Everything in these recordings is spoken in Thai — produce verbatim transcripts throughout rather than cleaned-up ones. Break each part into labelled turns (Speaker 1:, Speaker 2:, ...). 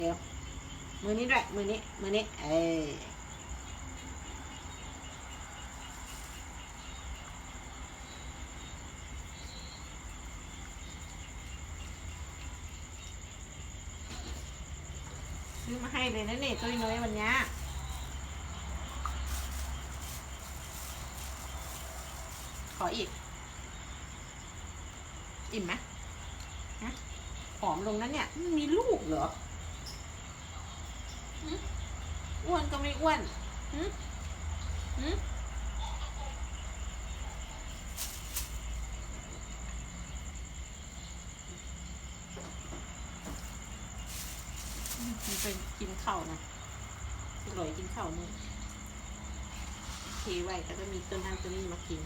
Speaker 1: เดี๋ยวมือนี้ด้วยมือนี้มือนี้เออซื้อมาให้เลยนะเนี่ยตุ้ยน้อยวันนี้ขออีกอิ่มไหมฮะผอมลงนั้นเนี่ยมันมีลูกเหรออ้วนก็ไม่อ้วนหืมหืมมันเป็นกินข้าวนะอร่อยกินข้าวมึงเทไว้แต่ก็มีต้นนั่งตัวนี้มากิน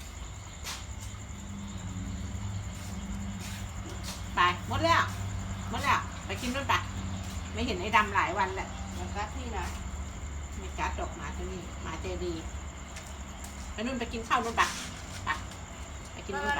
Speaker 1: ไปหมดแล้วหมดแล้วไปกินนู่นไปไม่เห็นไอ้ดำหลายวันแหละแล้วก็ที่นะไม่กัดดอกหมาตัวนี้หมาเจดีไปนู่นไปกินข้าวนู่นไปไปไปกินนู่นไป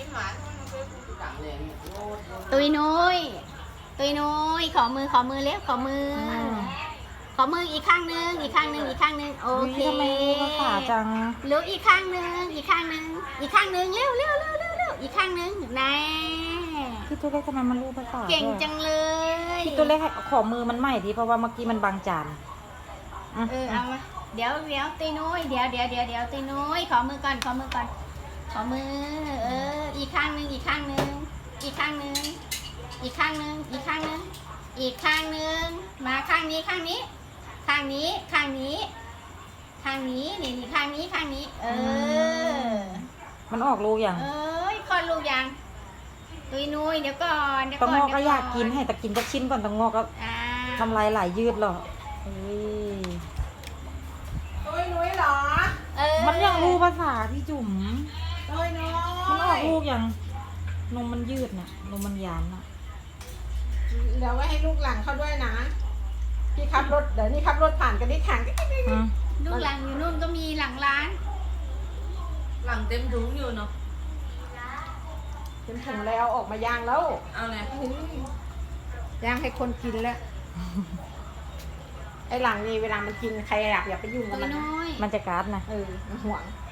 Speaker 2: ตุยนุ้ยตุยนุ้ยขอมือขอมือเร็วขอมือ ขอมืออีกข้างนึงอีกข้างนึงอีกข้างนึงโอเค
Speaker 3: ทำไมภาษาจัง
Speaker 2: รู้อีกข้างนึงอีกข้างนึงอีกข้างนึงเร็วเร็วเร็วเร็วเร็วอีกข้างนึงแน่
Speaker 3: พี่ตัวเล็กทำไมมันรู้ภาษา
Speaker 2: เก่ง
Speaker 3: ด้วย
Speaker 2: จังเลย
Speaker 3: พี่ตัวเล็กให้ขอมือมันใหม่ดิเพราะว่าเมื่อกี้มันบางจานอ่ะ
Speaker 2: เออเอามาเดี๋ยวเดี๋ยวตุยนุ้ยเดี๋ยวเดี๋ยวเดี๋ยวเดี๋ยวตุยนุ้ยขอมือก่อนขอมือก่อนขอมือเอออีกข้างนึงอีกข้างนึงอีกข้างนึงอีกข้างนึงอีกข้างนึงอีกข้างนึงมาข้างนี้ข้างนี้ข้างนี้ข้างนี้ข้างนี้นี่นี่ข้างนี้ข้างนี้ เออ
Speaker 3: มันออกรูอย่าง
Speaker 2: เอ้ยคลอดลูกยังตุยนุ้ยเดี๋ยวก่อนเดี๋ยว
Speaker 3: ตะ
Speaker 2: ก่อน
Speaker 3: งอก
Speaker 2: เดี๋
Speaker 3: ก็
Speaker 2: ว
Speaker 3: อยากกินให้แต่กินจะชิ้นก่อนตะงอกก็
Speaker 2: อ่า
Speaker 3: ทำลายหลายยืดหรอกเฮ้ย
Speaker 1: ตุ้ยนุ้ยเหรอ
Speaker 2: เออ
Speaker 3: มันยังรู้ภาษาพี่จุ๋ม
Speaker 1: ตุ้ยนุ้ย
Speaker 3: มันออกลูกอย่างนมมันยืดน่ะนมมันยานน่ะ
Speaker 1: เดี๋ยวไว้ให้ลูกหลังเขาด้วยนะพี่ขับรถเดี๋ยวนี้ขับรถผ่านกันที่ทาง
Speaker 3: อืม
Speaker 2: ลูกหลังอยู่นู่นก็มีหลังร้าน
Speaker 4: หลังเต็มถุงอยู่เนาะ
Speaker 1: เป็นถุงแล้วออกมาย่างแล้ว
Speaker 4: เอาเลย
Speaker 1: ย่างให้คนกินแล้ว ไอ้หลังนี่เวลามันกินใครอยากอย่าไปยุ่ง
Speaker 2: ตุ
Speaker 1: กับ
Speaker 2: ย
Speaker 1: มันนะ
Speaker 2: นุ้ย
Speaker 3: มันจะการ์ดนะ
Speaker 1: เออมันห่วง
Speaker 2: ต